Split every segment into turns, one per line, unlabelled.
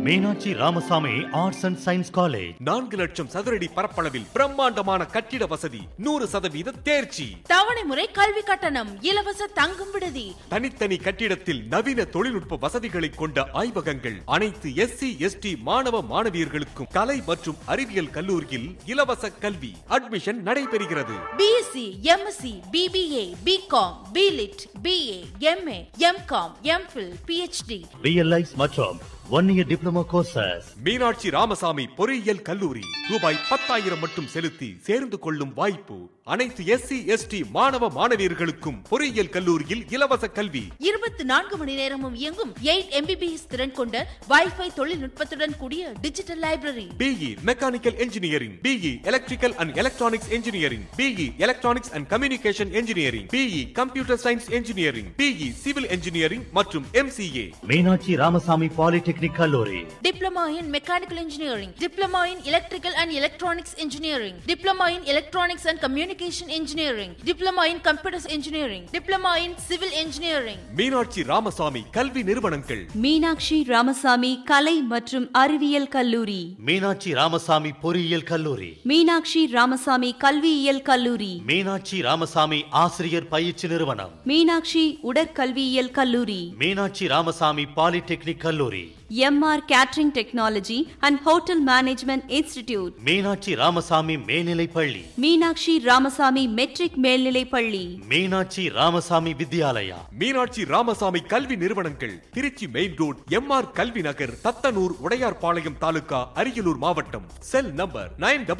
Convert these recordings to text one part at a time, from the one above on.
Meenakshi Ramasamy arts and science college
4 லட்சம் சதுரடி பரப்பளவில் பிரம்மாண்டமான கட்டிட வசதி, 100% தேர்ச்சி.
தவணை முறை கல்வி கட்டணம், இலவச தங்கும் விடுதி.
தனித்தனி கட்டிடத்தில் நவீன தொழில்நுட்ப வசதிகளை கொண்ட ஆய்வகங்கள். அனைத்து SC ST மாணவ மாணவியர்களுக்கும் கலை மற்றும் அறிவியல் கல்லூரியில் இலவச கல்வி. அட்மிஷன் நடைபெறுகிறது.
BSc, MSc, BBA, BCom, BLit, BA, MA, MCom, MPhil, PhD.
BLIs மற்றும் 1 year diploma courses.
Meenakshi Ramasamy பொறியியல் கல்லூரி. ரூபாய் 10,000 மட்டும் செலுத்தி சேர்ந்து கொள்ளும் வாய்ப்பு. அனைத்து SC ST மாணவ மாணவியர்களுக்கும் பொறியியல் கல்லூரியில் இலவச கல்வி.
24 மணி நேரமும் இயங்கும் 8 MBBS திறன் கொண்ட வைஃபை தொழில்நுட்பத்துடன் கூடிய digital library.
BE mechanical engineering, BE electrical and electronics engineering, BE electronics and communication engineering, BE computer science engineering, BE civil engineering மற்றும் MCA.
மீனாட்சி ராமசாமி பாலிடெக்னிக் கல்லூரி.
Diploma in mechanical engineering, diploma in electrical and electronics engineering, diploma in electronics and communication engineering, diploma in computer engineering, diploma in civil engineering.
Meenakshi Ramasamy கல்வி நிறுவனங்கள்.
மீனாட்சி ராமசாமி கலை மற்றும் அறிவியல் கல்லூரி,
மீனாட்சி ராமசாமி பொறியியல் கல்லூரி,
மீனாட்சி ராமசாமி கல்வியியல் கல்லூரி,
மீனாட்சி ராமசாமி ஆசிரியர் பயிற்சி நிறுவனம்,
மீனாட்சி உடற்கல்வியியல் கல்லூரி,
மீனாட்சி ராமசாமி பாலிடெக்னிக் கல்லூரி,
MR catering technology and hotel management institute,
Meenakshi Ramasamy மேல்நிலைப் பள்ளி,
மீனாட்சி ராமசாமி மெட்ரிக் மேல்நிலைப் பள்ளி,
மீனாட்சி ராமசாமி வித்யாலயா.
மீனாட்சி ராமசாமி கல்வி நிறுவனங்கள். திருச்சி மெயின் ரோட், MR கல்வி நகர், தத்தனூர், உடையார்பாளையம் தாலுகா, அரியலூர் மாவட்டம். Cell number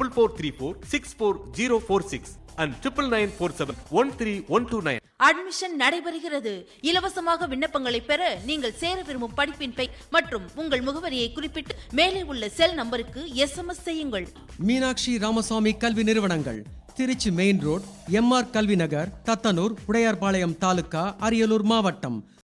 9434644046 and 9994713129.
அட்மிஷன் நடைபெறுகிறது. இலவசமாக விண்ணப்பங்களை பெற நீங்கள் சேர விரும்பும் படிப்பின் பெயர் மற்றும் உங்கள் முகவரியை குறிப்பிட்டு மேலே உள்ள செல் நம்பருக்கு SMS செய்யுங்கள்.
மீனாட்சி ராமசாமி கல்வி நிறுவனங்கள். திருச்சி மெயின் ரோட், MR கல்வி நகர், தத்தனூர், உடையார்பாளையம் தாலுகா, அரியலூர் மாவட்டம்.